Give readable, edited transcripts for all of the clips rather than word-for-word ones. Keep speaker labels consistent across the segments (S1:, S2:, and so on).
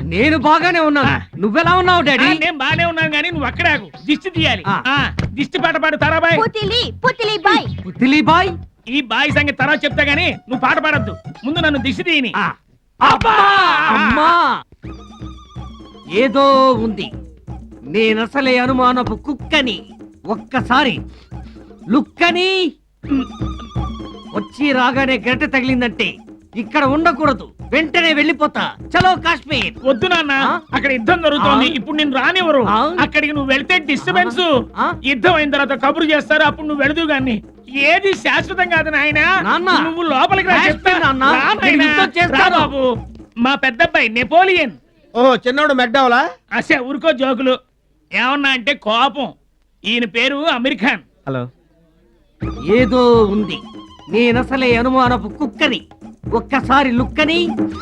S1: నేను బాగానే ఉన్నాను. నువ్వెలా ఉన్నావు డాడీ?
S2: నేను బాగానే ఉన్నాను గానీ నువ్వు అక్కడే ఆగు. దిష్టి తీయాలి. దిష్టి పాట పాడు తారాబాయ్.
S1: పుత్తిలి బాయ్.
S2: ఈ బాయ్ సంగతి తర్వాత చెప్తా గానీ నువ్వు పాట పాడద్దు. ముందు నన్ను దిష్టి తీయని.
S1: అమ్మా ఏదో ఉంది. నేనసలే అనుమానపు కుక్కని. ఒక్కసారి లుక్కని వచ్చి రాగానే గంట తగిలిందంటే ఇక్కడ ఉండకూడదు. వెంటనే వెళ్ళిపోతా. చలో కాశ్మీర్.
S2: వద్దు నాన్న, అక్కడ యుద్ధం జరుగుతోంది. ఇప్పుడు నేను రానివ్వరు. అక్కడికి నువ్వు వెళ్తే డిస్టర్బెన్స్. యుద్ధం అయిన తర్వాత కబురు చేస్తారు. అప్పుడు నువ్వు వెళదు గాని. ఏది శాశ్వతం కాదు నాయనా. నువ్వు లోపలికి రా చెప్తా. బాబు మా పెద్దబ్బాయి నెపోలియన్.
S3: ఓహో చిన్నోడు మెక్డవలా?
S2: అసే ఊరుకో జోకులు. ఏమన్నా అంటే కోపం. ఈయన పేరు అమీర్ ఖాన్.
S3: హలో.
S1: ఏదో ఉంది. నేనసలే అనుమానపు కుక్కని. ఒక్కసారి లుక్కని.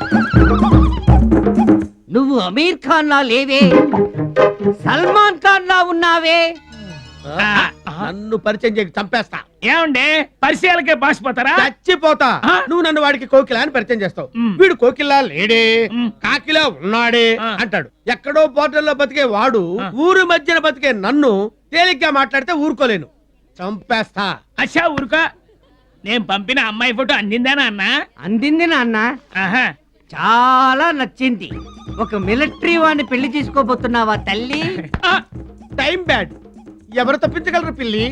S1: నువ్వు అమీర్ ఖాన్ లా లేవే, సల్మాన్ ఖాన్ లా ఉన్నావే.
S3: నన్ను పరిచయం చేయక చంపేస్తా.
S2: ఏమండే పరిచయాలకే బాసిపోతారా?
S3: చచ్చిపోతా. నువ్వు నన్ను వాడికి కోకిలా అని పరిచయం చేస్తావు. వీడు కోకిలా లేడే, కాకిలా ఉన్నాడే అంటాడు. ఎక్కడో పోర్టల్లో బతికే వాడు ఊరు మధ్యన బతికే నన్ను తేలిగ్గా మాట్లాడితే ఊరుకోలేను. చంపేస్తా.
S2: అచ్చా ఊరుకో. నేను పంపిన అమ్మాయి ఫోటో అందిందానా అన్న?
S1: అందింది నాన్న. చాలా నచ్చింది. ఒక మిలిటరీ వాడిని పెళ్లి చేసుకోబోతున్నావా తల్లి?
S3: Time bad. ఎవరు తప్పించగలరు పిల్లి?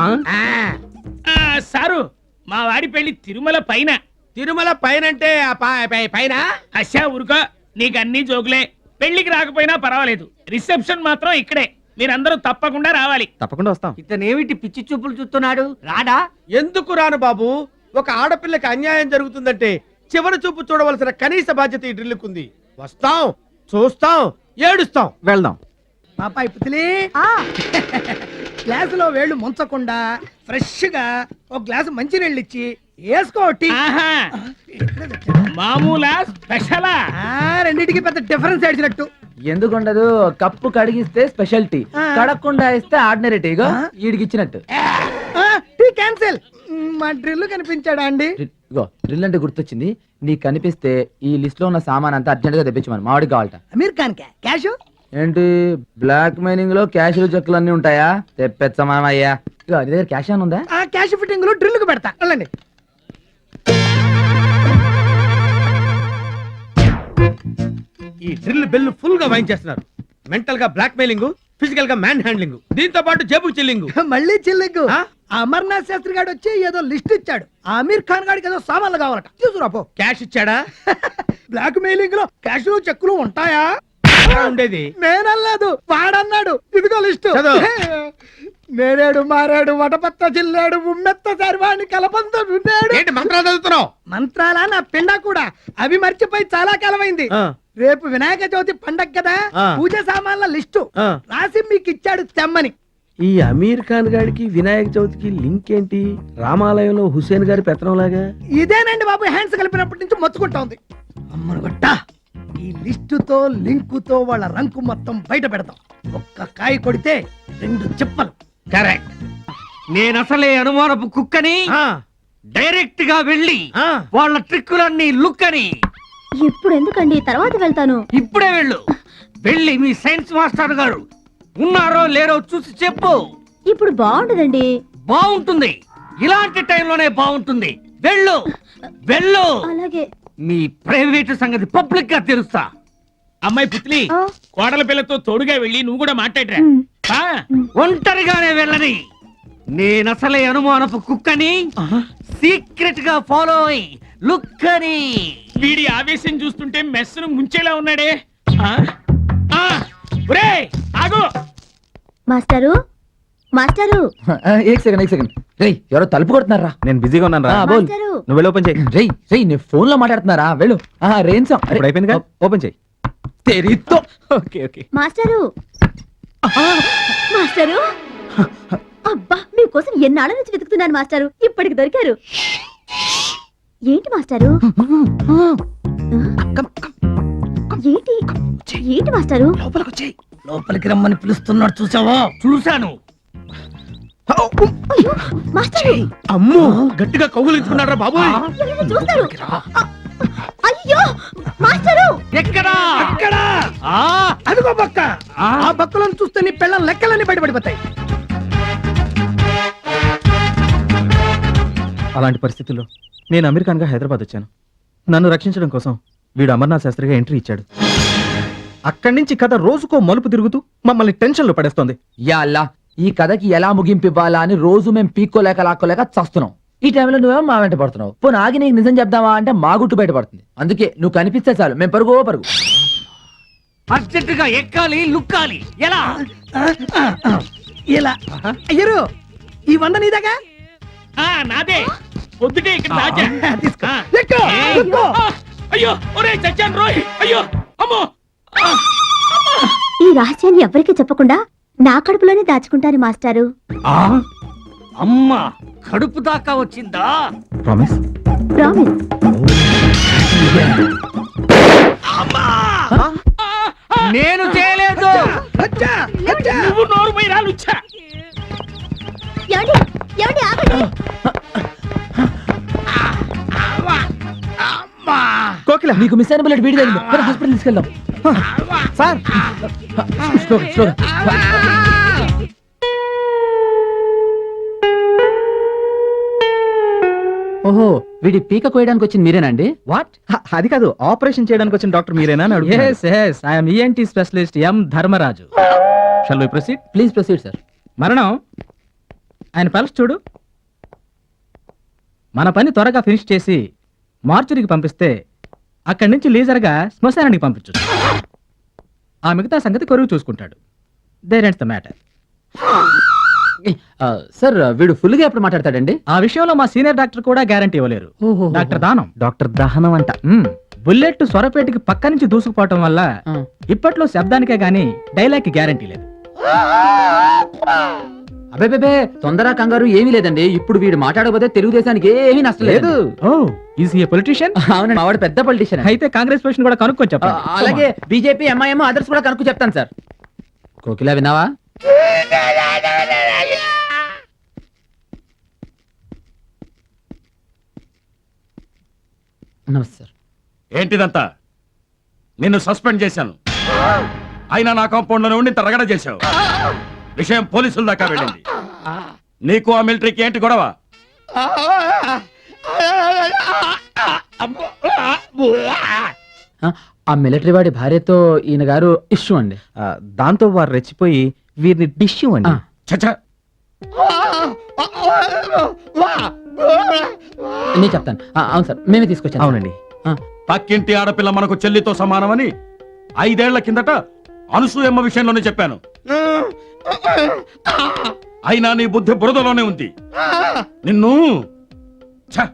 S2: సారు మా వాడి పెళ్లి తిరుమల పైన.
S3: తిరుమల పైన అంటే పైన?
S2: అచ్చా ఊరుకో. నీకు అన్ని జోకులే. పెళ్లికి రాకపోయినా పర్వాలేదు. రిసెప్షన్ మాత్రం ఇక్కడే. మీరందరూ తప్పకుండా రావాలి.
S3: తప్పకుండా వస్తాం.
S1: ఇతనేమిటి పిచ్చి చూపులు చూస్తున్నాడు? రాడా?
S3: ఎందుకు రాను బాబు? ఒక ఆడపిల్లకి అన్యాయం జరుగుతుందంటే చివరి చూపు చూడవలసిన కనీస బాధ్యత ఈ డ్రిల్లుకుంది. వస్తాం, చూస్తాం, ఏడుస్తాం, వెళ్దాం.
S4: పాపాయి పుత్లి, గ్లాసులో వేళ్ళు ముంచకుండా ఫ్రెష్ గా ఒక గ్లాసు మంచినీళ్ళు ఇచ్చి వేసుకోటి.
S2: మామూలా స్పెషలా?
S4: రెండింటికి పెద్ద డిఫరెన్స్ ఏడ్చినట్టు.
S5: ఎందుకుండదు? కప్పు కడిగిస్తే స్పెషాలిటీ, కడగకుండా ఇస్తే ఆర్డినరీ టీగా వీడికి ఇచ్చినట్టు.
S4: Tea cancel. మా డ్రిల్ కనిపించాడా అండి?
S5: డ్రిల్ అంటే గుర్తొచ్చింది. నీకు కనిపిస్తే ఈ లిస్ట్ లో ఉన్న సామాన్ అంతా అర్జెంట్ గా తెప్పించమని మామిడి కావాలట.
S4: అమీర్ ఖాన్ క్యాష్
S5: ఏంటి బ్లాక్ మైనింగ్ లో క్యాష్ చెక్కులు అన్ని ఉంటాయా? తెప్పించమా అయ్యా. నీ దగ్గర క్యాష్ అని ఉందా?
S4: ఆ క్యాష్ ఫిట్టింగ్ లో డ్రిల్ కు పెడతా. వెళ్ళండి.
S3: ఈ డ్రిల్ బెల్ ఫుల్ గా వాయించేస్తున్నారు. మెంటల్ గా బ్లాక్ మెయిలింగ్, ఫిజికల్ గా మ్యాన్ హ్యాండ్లింగ్, దీంతో పాటు జేబు చిల్లింగ్.
S4: మళ్ళీ చిల్లింగ్. అమర్నాథ్ శాస్త్రి గారు వచ్చి ఏదో లిస్ట్ ఇచ్చాడు. అమీర్ ఖాన్ గారికి ఏదో సామాన్లు కావాలట. తీసుకురాపో.
S3: క్యాష్ ఇచ్చాడా?
S4: బ్లాక్ మెయిలింగ్ లో క్యాష్ చెక్కులు ఉంటాయా?
S3: ఉండేది
S4: నేనల్లేదు, వాడన్నాడు. ఇదిగో లిస్టు. నేరేడు మారేడు వటపత్త జిల్లాడు ఉమ్మెత్త సర్వాణి కలబంద
S3: ఏంటి మంత్రాలు చదువుతున్నావు?
S4: మంత్రాలా నా పిండ కూడా. అవి మర్చిపోయి చాలా కాలమైంది. రేపు వినాయక చవితి పండగ కదా, పూజ సామాన్ల లిస్టు రాసి మీకు ఇచ్చాడు తెమ్మని.
S3: ఈ అమీర్ ఖాన్ గారికి వినాయక చవితికి లింక్ ఏంటి? రామాలయంలో హుసేన్ గారి పెత్తనం లాగా.
S4: ఇదేనండి బాబు, హ్యాండ్స్ కలిపినప్పటి నుంచి మొత్తుకుంటా ఉంది. అమ్మను గొట్ట, ఈ లిస్టుతో లింకుతో వాళ్ళ రంకు మొత్తం బయట పెడతాం. ఒక్క కాయ కొడితే 2 చిప్పలు.
S1: కరెక్ట్. నేనసలే అనుమానపు కుక్కని. డైరెక్ట్ గా వెళ్ళి వాళ్ళ ట్రిక్కులన్నీ లుక్కని.
S6: ఇప్పుడు ఎందుకండి? తర్వాత వెళ్తాను.
S1: ఇప్పుడే వెళ్ళు. వెళ్ళి మీ సైన్స్ మాస్టర్ గారు ఉన్నారో లేరో చూసి చెప్పు.
S6: ఇప్పుడు బాగుంటదండి.
S1: బాగుంటుంది. ఇలాంటి టైంలోనే బాగుంటుంది. వెళ్ళు వెళ్ళు.
S6: అలాగే.
S1: మీ ప్రైవేట్ సంగతి పబ్లిక్ గా తెలుస్తా.
S2: అమ్మాయి పుత్లి, కోడల పిల్లతో తోడుగా వెళ్ళి నువ్వు కూడా మాట్లాడరా.
S1: ఒంటరిగానే వెళ్ళని. నేనసలే అనుమానపు కుక్కని. సీక్రెట్ గా ఫాలో అయి లుక్కని.
S2: వీడి ఆవేశం చూస్తుంటే మెస్సును ముంచేలా ఉన్నాడే. ఆగు
S6: మాస్టరు, మాస్టరు.
S5: ఏక్ సెకండ్. రేయ్, ఎవరో తలుపు కొడుతున్నారా?
S3: నేను బిజీగా ఉన్నాను రా.
S5: నువ్వు వెళ్ళి ఓపెన్ చేయి. రేయ్ నేను ఫోన్ లో మాట్లాడుతున్నారా? వెళ్ళు. రేంసం అయిపోయింది. ఓపెన్ చేయి. తెరితో. ఓకే.
S6: Master, master. అబ్బా, మీకోసం ఎన్నాళ్ళ నుంచి వెతుకుతున్నాను మాస్టరు. ఇప్పటికి దొరికారు. ఏంటి మాస్టరు? ఏంటి మాస్టరు?
S4: లోపలికి రమ్మని పిలుస్తున్నాడు. చూసావా?
S1: చూశాను.
S3: అమ్మో, గట్టిగా కౌగులించుకున్నారా బాబు?
S6: చూస్తారు. అయ్యో మాస్టరు
S1: ఎక్కడా
S4: అక్కడ
S1: ఆ,
S4: అదిగో బక్క
S1: ఆ.
S4: ఆ బక్కలను చూస్తే నీ పిల్లల లెక్కలన్నీ బయటపడిపోతాయి.
S5: అలాంటి పరిస్థితుల్లో నేను అమెరికన్గా హైదరాబాద్ వచ్చాను. నన్ను రక్షించడం కోసం వీడు అమర్నాథ్ శాస్త్రిగా ఎంట్రీ ఇచ్చాడు. అక్కడి నుంచి కథ రోజుకో మలుపు తిరుగుతూ మమ్మల్ని టెన్షన్లో పడేస్తోంది.
S7: యాల్లా ఈ కథకి ఎలా ముగింపు ఇవ్వాలా అని రోజు మేము పీక్కోలేక లాక్కోలేక చస్తున్నాం. ఈ టైంలో నువ్వేమో మా వెంట పడుతున్నావు. పోనీ ఆగి నీకు నిజం చెప్దామా అంటే మా గుట్టు బయటపడుతుంది. అందుకే నువ్వు కనిపిస్తే చాలు మేము పరుగు పరుగు.
S1: అర్జెంటుగా ఎక్కాలి లుక్కాలి. ఎలా
S4: ఇలా అయ్యరు ఈ 100 నీదాగా
S2: నాదే పొద్దుటే ఇక్కడ దాచా.
S4: తీసుకో
S2: ఆ.
S4: ఎక్కు,
S1: ఏయ్.
S4: ఎక్కు.
S2: ఆ, అయ్యో ఒరే చచ్చాను రోయ్. అయ్యో అమ్మో.
S6: ఈ రహస్యాన్ని ఎవరికీ చెప్పకుండా నా కడుపులోనే దాచుకుంటాను మాస్టారు.
S1: ఆ, అమ్మా కడుపు దాకా వచ్చిందా?
S5: ప్రామిస్.
S6: ప్రామిస్.
S1: నేను చేయలేదు.
S4: అచ్చా, అచ్చా.
S2: నువ్వు నోరు పోయి రాలుచ్చా.
S6: ఏమండి ఏమండి ఆగండి.
S5: కోకిల
S7: నీకు మిస్ అయిన బుల్లెట్ వీడి తగిలింది. హాస్పిటల్ తీసుకెళ్దాం.
S5: సార్
S7: స్లోగా, స్లోగా. ఓహో వీడి పీక కోయడానికి వచ్చింది మీరేనండి?
S5: వాట్? అది కాదు, ఆపరేషన్ చేయడానికి వచ్చిన డాక్టర్ మీరేనా అని అడుగుతున్నాను.
S8: Yes, yes. I am ENT specialist M. Dharmaraju. Shall we proceed?
S7: Please proceed sir.
S8: మరణం ఆయన పల్స్ చూడు. మన పని త్వరగా ఫినిష్ చేసి మార్చురికి పంపిస్తే అక్కడి నుంచి లీజర్గా శ్మశానానికి పంపించు. ఆ మిగతా సంగతి కొరువు చూసుకుంటాడు. There ends the matter.
S7: Sir వీడు ఫుల్ గా ఎప్పుడు మాట్లాడతాడండి?
S8: ఆ విషయంలో మా సీనియర్ డాక్టర్ కూడా గ్యారంటీ ఇవ్వలేరు. డాక్టర్ దానం.
S5: డాక్టర్ దహనం అంట.
S8: బుల్లెట్ స్వరపేటకి పక్క నుంచి దూసుకుపోవటం వల్ల ఇప్పట్లో శబ్దానికే గానీ డైలాగ్ కి గ్యారంటీ లేదు.
S7: అబే తొందర కంగారు ఏమీ లేదండి. ఇప్పుడు వీడు మాట్లాడకపోతే తెలుగుదేశానికి ఏమీ నష్టం లేదు.
S8: Oh is a politician?
S7: అవునండి, మావాడు పెద్ద పొలిటీషియన్.
S8: అయితే కాంగ్రెస్ పొజిషన్ కూడా కనుక్కొని చెప్పండి.
S7: అలాగే బీజేపీ ఎంఐఎం అదర్స్ కూడా కనుక్కు చెప్తాను సార్. కోకిలా విన్నావా? నమస్తే సార్.
S9: ఏంటిదంతా? నిన్ను సస్పెండ్ చేశాను, అయినా నా కాంపౌండ్ లోనే ఉండి ఇంత రగడ చేశావు. విషయం పోలీసుల దాకా వెళ్ళింది. నీకు ఆ మిలిటరీకి ఏంటి గొడవ?
S7: ఆ మిలిటరీ వాడి భార్యతో ఈయన గారు ఇష్యూ అండి.
S5: దాంతో వారు రెచ్చిపోయి వీరిని డిష్ అండి.
S9: చచ్చా,
S7: నేను చెప్తాను. అవును సార్, మేమే తీసుకొచ్చాను.
S5: అవునండి.
S9: పక్కింటి ఆడపిల్ల మనకు చెల్లితో సమానమని 5 ఏళ్ల కిందట అనసూయమ్మ విషయంలోనే చెప్పాను. అయినా నీ బుద్ధి బురదలోనే ఉంది. నిన్ను ఛ!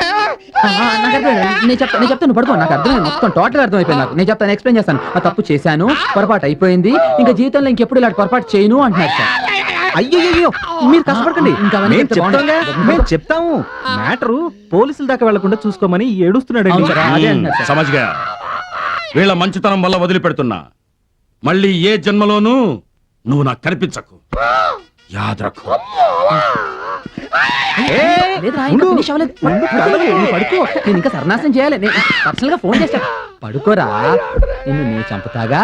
S7: నేను చెప్తాను పడుకో. నాకు అర్థమైంది, మొత్తం టోటల్ అర్థమైపోయింది నాకు. నేను చెప్తాను, ఎక్స్ప్లెయిన్ చేస్తాను. ఆ తప్పు చేశాను, పొరపాటు అయిపోయింది, ఇంకా జీవితంలో ఇంకెప్పుడు ఇలాంటి పొరపాటు చేయను అంటున్నారు సార్.
S5: అయ్యో మీరు కష్టపడకండి,
S7: ఇంకా అవన్నీ
S5: మేము
S7: చెప్తే
S5: చెప్తాంగా,
S7: బాగుంటుంది.
S5: మేము చెప్తాము. మ్యాటరు పోలీసుల దాకా వెళ్లకుండా చూసుకోమని ఏడుస్తున్నాడు.
S7: అవును సార్, అదే అంటున్నారు సార్.
S9: సమజ్గా వీళ్ళ మంచితనం వల్ల వదిలిపెడుతున్నా. మళ్ళీ ఏ జన్మలోనూ నువ్వు నాకు కనిపించకు. యాద్రకు.
S7: లేదురా, ఇంకా finish అవ్వలేదు. నువ్వు పడుకో. నేను ఇంకా సర్నాశనం చేయాలి. నేను పర్సనల్ గా ఫోన్ చేస్తా. పడుకోరా, నిన్ను నేను చంపుతాగా.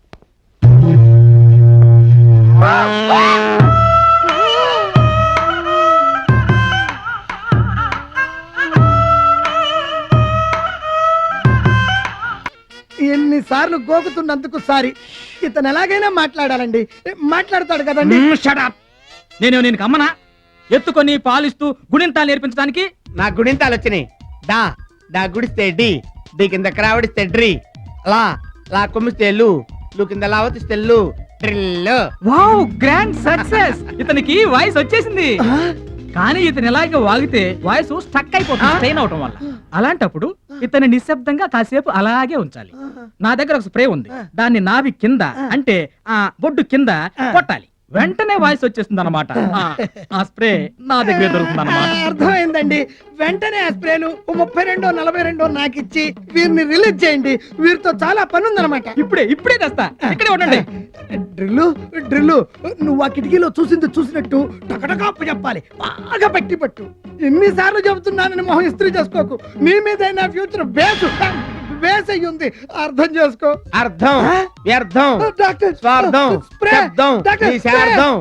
S4: ఎన్నిసార్లు గోకుతున్నందుకు సారీ. ఇతను ఎలాగైనా మాట్లాడాలండి. మాట్లాడతాడు కదండి.
S8: నేను నేను అమ్మనా ఎత్తుకొని పాలిస్తూ గుణింతాలు నేర్పించడానికి?
S3: నా గుడింతాలు వచ్చినాయి. డా డా గుడిస్తే డి, డి కింద క్రావడిస్తే డ్రి, లా లా కొమ్మిస్తే లు, లు కింద లావతిస్తే లు, డ్రిల్.
S8: Wow, grand success. ఇతనికి వాయిస్ వచ్చేసింది. కానీ ఇతను ఎలాగ వాగితే వాయిస్ స్టక్ అయిపోతుంది స్ట్రెయిన్ అవటం వల్ల. అలాంటప్పుడు ఇతను నిశ్శబ్దంగా కాసేపు అలాగే ఉంచాలి. నా దగ్గర ఒక స్ప్రే ఉంది, దాన్ని నాభి కింద అంటే ఆ బొడ్డు కింద కొట్టాలి. వెంటనే వాయిస్ వచ్చేస్తుంది అనమాట. ఆ స్ప్రే నా దగ్గర దొరుకుతుంది అనమాట.
S4: అర్థమైందండి. వెంటనే ఆ స్ప్రేలు 32 42 నాకు ఇచ్చి వీరిని రిలీజ్ చేయండి. వీరితో చాలా పని ఉందన్నమాట.
S8: ఇప్పుడే తెస్తా, ఇక్కడే ఉండండి.
S4: డ్రిల్లు డ్రిల్లు, నువ్వు ఆ కిటికీలో చూసింది చూసినట్టు టకటకాపు చెప్పాలి. బాగా పెట్టి పట్టు. ఎన్నిసార్లు చెబుతున్నానని మొహం ఇస్త్రీ చేసుకోకు. నీ మీద నా ఫ్యూచర్ బేసు వేసయ్యి ఉంది అర్థం చేసుకో
S3: అర్థం వ్యర్థం
S4: డాక్టర్
S3: స్వార్థం
S4: స్ప్రే
S3: శబ్దం
S4: డాక్టర్
S3: నిశార్థం